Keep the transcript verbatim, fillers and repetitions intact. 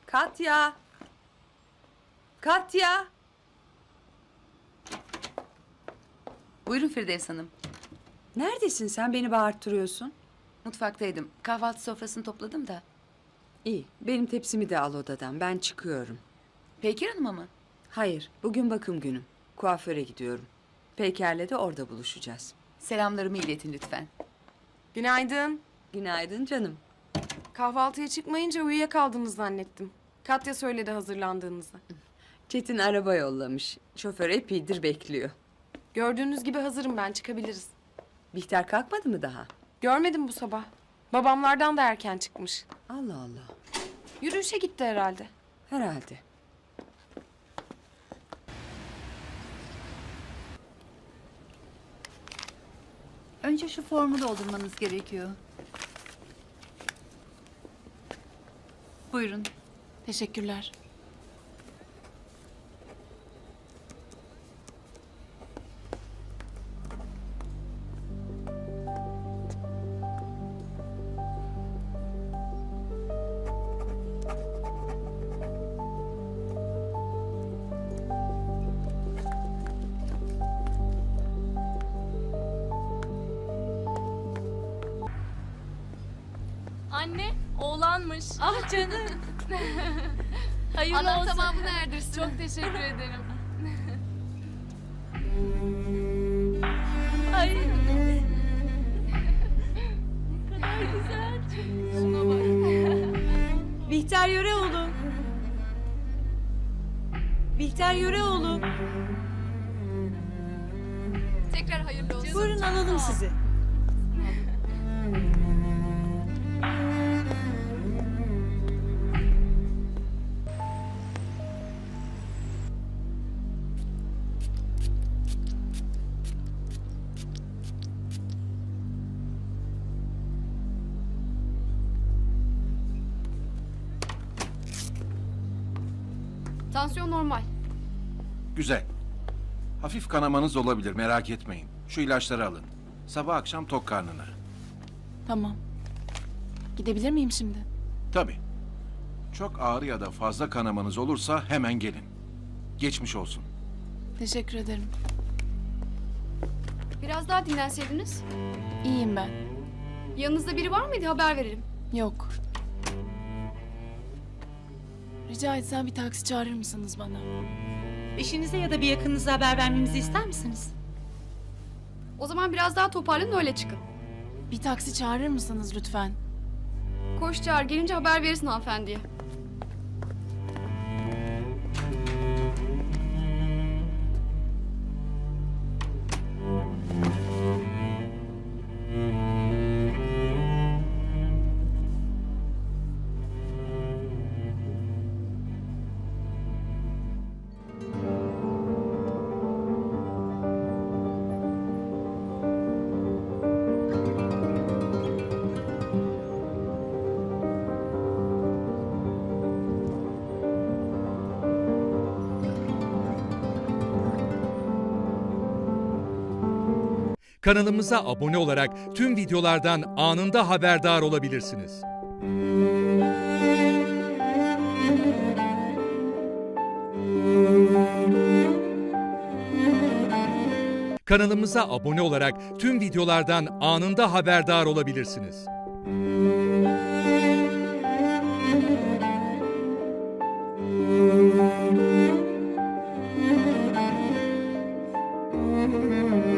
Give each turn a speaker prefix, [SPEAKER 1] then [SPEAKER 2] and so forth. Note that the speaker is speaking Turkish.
[SPEAKER 1] Katya! Katya!
[SPEAKER 2] Buyurun Firdevs Hanım.
[SPEAKER 1] Neredesin sen? Beni bağırttırıyorsun.
[SPEAKER 2] Mutfaktaydım. Kahvaltı sofrasını topladım da.
[SPEAKER 1] İyi, benim tepsimi de al odadan. Ben çıkıyorum.
[SPEAKER 2] Peykir Hanım'a mı?
[SPEAKER 1] Hayır, bugün bakım günüm. Kuaföre gidiyorum. Peyker'le de orada buluşacağız.
[SPEAKER 2] Selamlarımı iletin lütfen.
[SPEAKER 3] Günaydın.
[SPEAKER 1] Günaydın canım.
[SPEAKER 3] Kahvaltıya çıkmayınca uyuyakaldınız zannettim. Katya söyledi hazırlandığınızı.
[SPEAKER 1] Çetin araba yollamış. Şoför epeydir bekliyor.
[SPEAKER 3] Gördüğünüz gibi hazırım ben, çıkabiliriz.
[SPEAKER 1] Bihter kalkmadı mı daha?
[SPEAKER 3] Görmedim bu sabah. Babamlardan da erken çıkmış.
[SPEAKER 1] Allah Allah.
[SPEAKER 3] Yürüyüşe gitti herhalde.
[SPEAKER 1] Herhalde.
[SPEAKER 2] Önce şu formu doldurmanız gerekiyor. Buyurun.
[SPEAKER 3] Teşekkürler.
[SPEAKER 4] Anne, oğlanmış.
[SPEAKER 5] Ah canım.
[SPEAKER 4] Hayırlı
[SPEAKER 5] Allah
[SPEAKER 4] olsun.
[SPEAKER 5] tamamını erdirsin.
[SPEAKER 4] Çok teşekkür ederim.
[SPEAKER 5] Ay.
[SPEAKER 4] Ne kadar güzel. Şuna bak.
[SPEAKER 5] Bihter Yöreoğlu. Bihter Yöreoğlu.
[SPEAKER 4] Tekrar hayırlı olsun.
[SPEAKER 5] Buyurun alalım sizi.
[SPEAKER 4] Tansiyon normal.
[SPEAKER 6] Güzel. Hafif kanamanız olabilir, merak etmeyin. Şu ilaçları alın. Sabah akşam tok karnına.
[SPEAKER 7] Tamam. Gidebilir miyim şimdi?
[SPEAKER 6] Tabii. Çok ağrı ya da fazla kanamanız olursa hemen gelin. Geçmiş olsun.
[SPEAKER 7] Teşekkür ederim.
[SPEAKER 4] Biraz daha dinlenseydiniz.
[SPEAKER 7] İyiyim ben.
[SPEAKER 4] Yanınızda biri var mıydı? Haber verelim.
[SPEAKER 7] Yok. Rica etsem bir taksi çağırır mısınız bana?
[SPEAKER 5] Eşinize ya da bir yakınınıza haber vermemizi ister misiniz?
[SPEAKER 4] O zaman biraz daha toparlanın, öyle çıkın.
[SPEAKER 7] Bir taksi çağırır mısınız lütfen?
[SPEAKER 4] Koş çağır, gelince haber verirsin hanımefendiye.
[SPEAKER 8] Kanalımıza abone olarak tüm videolardan anında haberdar olabilirsiniz. Kanalımıza abone olarak tüm videolardan anında haberdar olabilirsiniz.
[SPEAKER 3] Müzik